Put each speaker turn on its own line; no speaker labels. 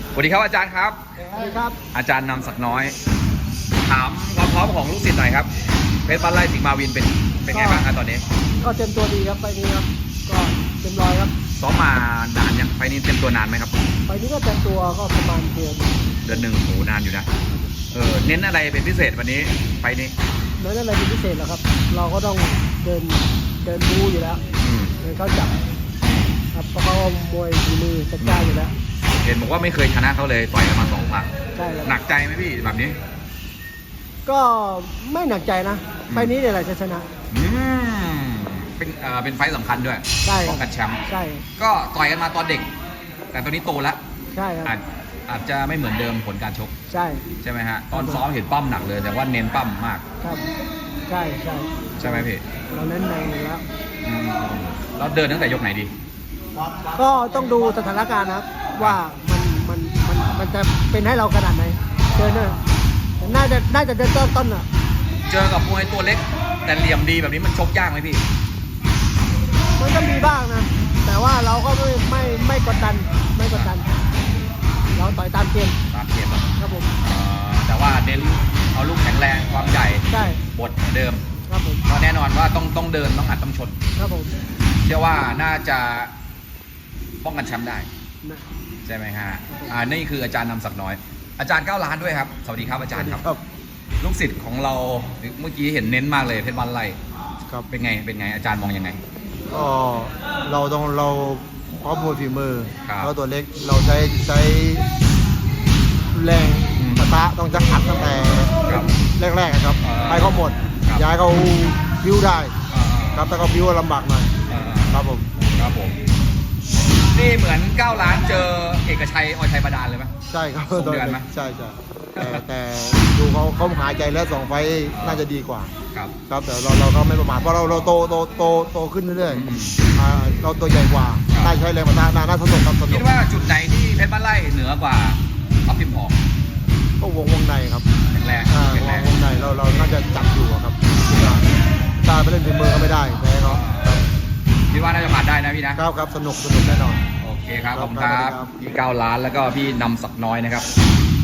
สวัสดีครับอาจารย์ครับ
สวัสดีครับ
อาจารย์นำศักดิ์น้อย ถามความพร้อมของลูกศิษย์หน่อยครับเพชรบ้านไร่สิงห์มาวินเป็นไงบ้างครับตอนนี้
ก็เต็มตัวดีครับไปนี้ครับก็เต็มร้อยครับ
ซ้อมมานานยังไฟนี้เต็มตัวนานไหมครับ
ไปนี้ก็เต็มตัวก็ประมาณเดือน
หนึ่งโหนานอยู่นะเน้นอะไรเป็นพิเศษวันนี้ไฟนี้
เน้นอะไรเป็นพิเศษเหรอครับเราก็ต้องเดินบูอยู่แล้วเดินเข้าจับครับเพราะเขามวยฝีมือจัดจ้านอยู่แล้ว
เห็นบอกว่าไม่เคยชนะเขาเลยต่อยกันมา2 ครั้ง
ใช่ครับ
หนักใจไหมพี่แบบนี้
ก็ไม่หนักใจนะไฟนี้เนี่ยแหละจะชนะ
เป็นไฟสำคัญด้วยป้องกันแชมป์
ใช่
ก็ต่อยกันมาตอนเด็กแต่ตอนนี้โตแล้ว
ใช่ครับ
อาจจะไม่เหมือนเดิมผลการชกใช่ไหมฮะตอนซ้อมเห็นปั้มหนักเลยแต่ว่าเน้นปั้มมาก
ครับใช่
ใช่ไหมพี่
เราเน้นในอยู่แล้ว
เราเดินตั้งแต่ยกไหนดี
ก็ต้องดูสถานการณ์นะครับว่ามันจะเป็นให้เราขนาดไหนเดินเนี่ยน่าจะเดินต้นอ่ะ
เจอกับมวยตัวเล็กแต่เหลี่ยมดีแบบนี้มันชกยากไหมพี่
มันก็มีบ้างนะแต่ว่าเราก็ไม่กดดันเราต่อยตามเกมครับผม
แต่ว่าเน้นเอาลูกแข็งแรงความใหญ่บทเดิม
ครับผม
ก็แน่นอนว่าต้องเดินต้องอัดต้องชน
ครับผม
เชื่อว่าน่าจะป้องกันแชมป์ได้ใช่ไหมฮะนี่คืออาจารย์นำศักดิ์น้อยอาจารย์9 ล้านด้วยครับสวัสดีครับอาจารย์ครับลูกศิษย์ของเราเมื่อกี้เห็นเน้นมากเลยเพชรบ้านไร่
ครับ
เป็นไงอาจารย์มองยังไง
ก็เราพร้อมมวยฝีมือเราตัวเล็กเราใช้แรงปะทะต้องจะอัดตั้งแต่แรกๆครับไปเขาหมดย้ายเขาพิ้วได้ครับแต่เขาพิ้วลำบากหน่อยครับผม
นี่เหมือน9 ล้านเจอเอกชัยอชัยบาดาลเลยไหม
ใช่ครับ
ส่งเดือนไหม
ใช่แต่ดูเขาหายใจแล้ว2 ไฟน่าจะดีกว่าครับแต่เราก็ไม่ประมาทเพราะเราโตขึ้นเรื่อยๆเราตัวใหญ่กว่าได้ใช้แรงปะทะน่าสนุกครับ
คิดว่าจุดไหนที่เพชรบ้านไร่เหนือกว่าท็อปพิมพ์หอก
ก็วงในครับ
แข็งแรง
วงในเราน่าจะจับอยู่ครับตาไปเล่นฝีมือก็ไม่ได้แพ้เขา
คิดว่าน่าจะผ่านได้นะพี่นะครับ
สนุกแน่นอน
โอเคครับผมครับพี่9 ล้านแล้วก็พี่นำศักดิ์น้อยนะครับ